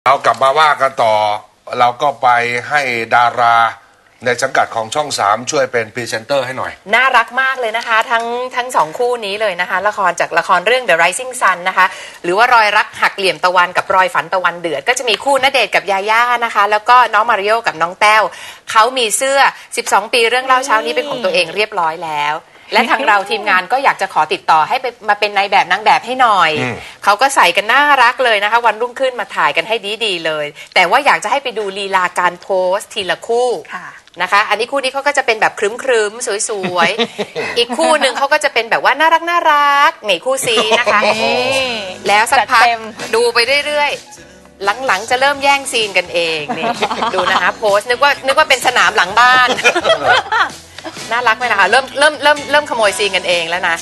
เรากลับมาว่ากันต่อเราก็ไปให้ดาราในสังกัดของช่อง3ช่วยเป็นพรีเซนเตอร์ให้หน่อยน่ารักมากเลยนะคะทั้งสองคู่นี้เลยนะคะละครจากละครเรื่อง The Rising Sun นะคะหรือว่ารอยรักหักเหลี่ยมตะวันกับรอยฝันตะวันเดือดก็จะมีคู่ณเดชน์กับยาย่านะคะแล้วก็น้องมาริโอกับน้องแต้วเขามีเสื้อ12ปีเรื่องเล่าเช้านี้เป็นของตัวเองเรียบร้อยแล้วและทางเราทีมงานก็อยากจะขอติดต่อให้ไปมาเป็นนายแบบนางแบบให้หน่อยเขาก็ใส่กันน่ารักเลยนะคะวันรุ่งขึ้นมาถ่ายกันให้ดีเลยแต่ว่าอยากจะให้ไปดูลีลาการโพสทีละคู่นะคะอันนี้คู่นี้เขาก็จะเป็นแบบครึ้มๆสวยๆอีกคู่หนึ่งเขาก็จะเป็นแบบว่าน่ารักนี่คู่ซีนะคะแล้วสักพักดูไปเรื่อยๆหลังๆจะเริ่มแย่งซีนกันเองนี่ดูนะคะโพสนึกว่าเป็นสนามหลังบ้านน่ารักไหมนะคะเริ่มขโมยซีนกันเองแล้วนะ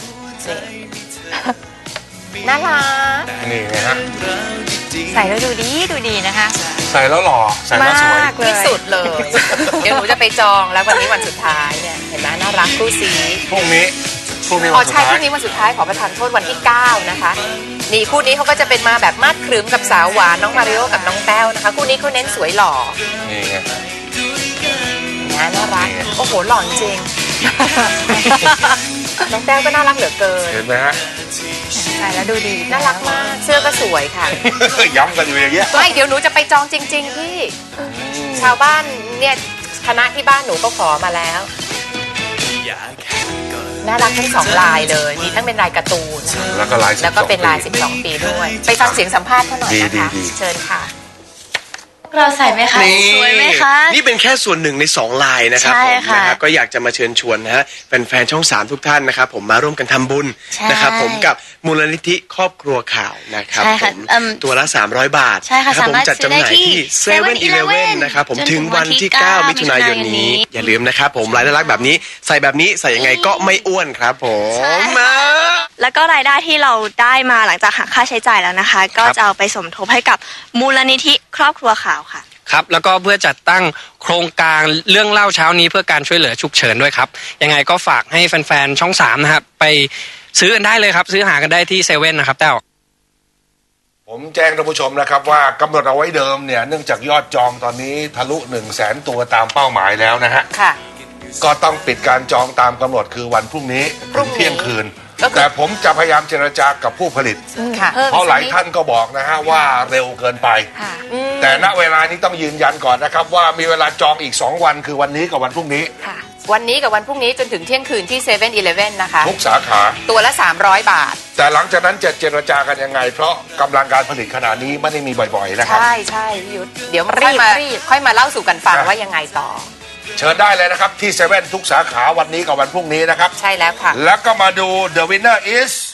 น่ารักนี่ไงฮะใส่แล้วดูดีนะคะใส่แล้วหล่อใส่แล้วสวยที่สุดเลยเดี๋ยวหนูจะไปจองแล้ววันนี้วันสุดท้ายเนี่ยเห็นไหมน่ารักคู่ซีพรุ่งนี้อ๋อใช่พรุ่งนี้วันสุดท้ายขอประทานโทษวันที่9นะคะนี่คู่นี้เขาก็จะเป็นมาแบบมาดครึ้มกับสาวหวานน้องมาริโอกับน้องแต้วนะคะคู่นี้เขาเน้นสวยหล่อนี่ไงน่ารักโอ้โหหล่อจริงน้องแต้วก็น่ารักเหลือเกินเห็นไหมฮะใส่แล้วดูดีน่ารักมากเสื้อก็สวยค่ะย้ำกันอยู่อย่างเงี้ยไม่เดี๋ยวหนูจะไปจองจริงๆพี่ชาวบ้านเนี่ยคณะที่บ้านหนูก็ขอมาแล้วน่ารักทั้ง2ลายเลยมีทั้งเป็นลายการ์ตูนแล้วก็เป็นลาย12ปีด้วยไปฟังเสียงสัมภาษณ์เขาหน่อยนะคะเชิญค่ะเราใส่ไหมคะสวยไหมคะนี่เป็นแค่ส่วนหนึ่งใน2ลายนะครับผมนะครับก็อยากจะมาเชิญชวนนะฮะแฟนช่อง3ทุกท่านนะครับผมมาร่วมกันทำบุญนะครับผมกับมูลนิธิครอบครัวข่าวนะครับผมตัวละ300 บาทครับผมจัดจำหน่ายที่7-Elevenนะครับผมถึงวันที่9มิถุนายนนี้อย่าลืมนะครับผมลายน่ารักแบบนี้ใส่แบบนี้ใส่ยังไงก็ไม่อ้วนครับผมแล้วก็รายได้ที่เราได้มาหลังจากหักค่าใช้จ่ายแล้วนะคะก็จะเอาไปสมทบให้กับมูลนิธิครอบครัวข่าวค่ะครับแล้วก็เพื่อจัดตั้งโครงการเรื่องเล่าเช้านี้เพื่อการช่วยเหลือฉุกเฉินด้วยครับยังไงก็ฝากให้แฟนๆช่อง3นะครับไปซื้อกันได้เลยครับซื้อหากันได้ที่7นะครับแต้วผมแจ้งท่านผู้ชมนะครับว่ากำหนดเอาไว้เดิมเนี่ยเนื่องจากยอดจองตอนนี้ทะลุ 100,000 ตัวตามเป้าหมายแล้วนะฮะก็ต้องปิดการจองตามกำหนดคือวันพรุ่งนี้เที่ยงคืนแต่ผมจะพยายามเจรจากับผู้ผลิตเพราะหลายท่านก็บอกนะฮะว่าเร็วเกินไปแต่ณเวลานี้ต้องยืนยันก่อนนะครับว่ามีเวลาจองอีก2วันคือวันนี้กับวันพรุ่งนี้วันนี้กับวันพรุ่งนี้จนถึงเที่ยงคืนที่7-Elevenนะคะทุกสาขาตัวละ300 บาทแต่หลังจากนั้นจะเจรจากันยังไงเพราะกำลังการผลิตขนาดนี้ไม่ได้มีบ่อยๆนะครับใช่พี่ยุทธเดี๋ยวค่อยมาเล่าสู่กันฟังว่ายังไงต่อเชิญได้เลยนะครับที่7ทุกสาขาวันนี้กับวันพรุ่งนี้นะครับใช่แล้วค่ะแล้วก็มาดู The Winner is